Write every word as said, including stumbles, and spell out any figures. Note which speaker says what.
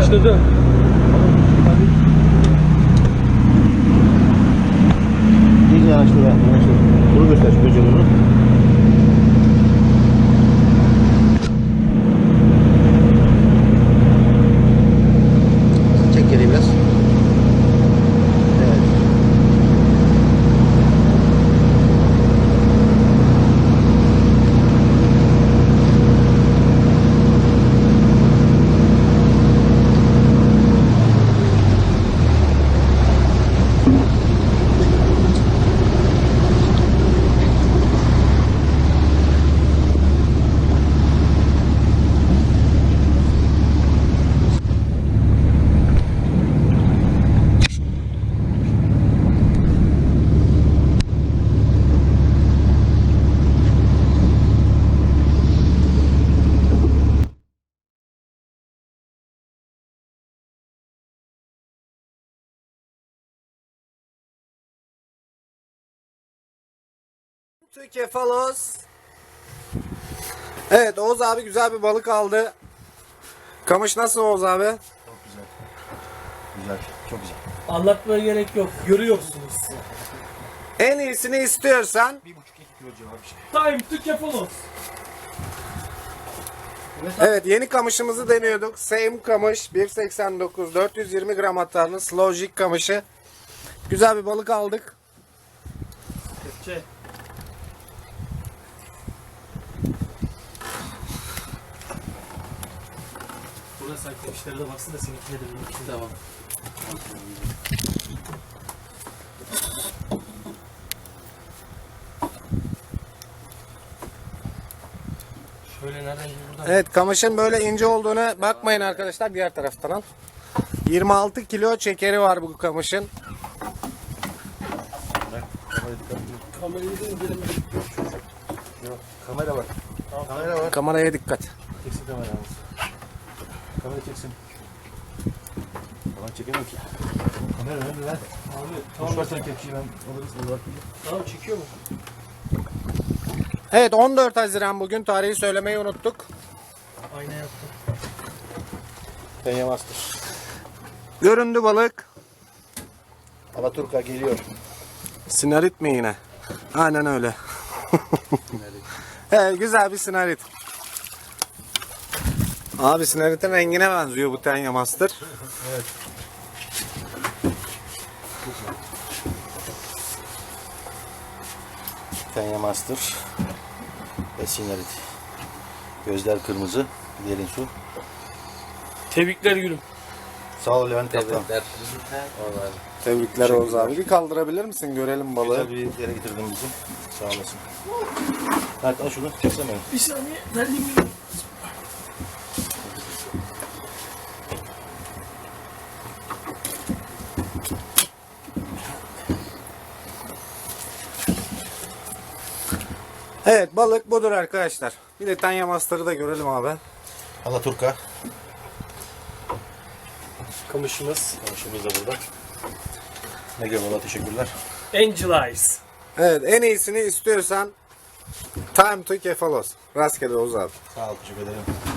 Speaker 1: Başladı.
Speaker 2: İyice yanaştır ya. Yanaştır. Bunu göster şu böceğini. Çek geriye biraz. Evet.
Speaker 3: Türkiye Falos. Evet, Oğuz abi güzel bir balık aldı. Kamış nasıl Oğuz abi?
Speaker 2: Çok güzel. Güzel. Çok güzel.
Speaker 1: Anlatmaya gerek yok. Görüyorsunuz.
Speaker 3: En iyisini istiyorsan
Speaker 2: Bir buçuk iki kilo civarı bir şey.
Speaker 1: Time to Kefalos.
Speaker 3: evet, yeni kamışımızı deniyorduk. Same kamış bir seksen dokuz dört yüz yirmi gram atarlı slow jig kamışı. Güzel bir balık aldık.
Speaker 1: Kepçe. Burada sen kepçelere de baksın da seninkine de benimkine. Tamam. Şöyle nereden buradan?
Speaker 3: Evet, kamışın böyle ince olduğuna bakmayın arkadaşlar, diğer taraftan al. yirmi altı kilo çekeri var bu kamışın.
Speaker 1: Kamerayı da indirelim.
Speaker 2: Yok. Kamera var. Tamam. Kamera var.
Speaker 3: Kameraya dikkat.
Speaker 2: Çeksin kameramız. Kamera çeksin. Tamam çekemem ki. Kamera önemli lan.
Speaker 1: Abi
Speaker 2: Boş
Speaker 1: tamam.
Speaker 2: ver sen kepçeyi ben alırız. Olur.
Speaker 1: Tamam çekiyor mu?
Speaker 3: Evet, on dört Haziran bugün, tarihi söylemeyi unuttuk.
Speaker 1: Ayna yaptım.
Speaker 2: Penye Master.
Speaker 3: Göründü balık.
Speaker 2: Alaturka geliyor.
Speaker 3: Sinarit mi yine? Aynen öyle. Evet, güzel bir sinarit. Abi sinaritin rengine benziyor bu Tenya Master.
Speaker 2: Evet. Penye Master. Ve Sinarit. Gözler kırmızı. Derin su.
Speaker 1: Tebrikler gülüm.
Speaker 2: Sağ ol Levent Kaptan.
Speaker 3: Tebrikler Oğuz abi. Bir kaldırabilir misin? Görelim balığı.
Speaker 2: Güzel bir yere getirdin bizi. Sağ olasın. Mert al şunu. Çeksene.
Speaker 1: Bir saniye. Verdiğim
Speaker 3: Evet, balık budur arkadaşlar. Bir de Tenya Master'ı da görelim abi.
Speaker 2: Alaturka.
Speaker 1: kamışımız.
Speaker 2: Kamışımız da burada. Ne görüyorlar, teşekkürler.
Speaker 1: Angel Eyes.
Speaker 3: Evet, en iyisini istiyorsan Time to Kefalos. Rastgele Oğuz abi.
Speaker 2: Sağ ol, teşekkür ederim.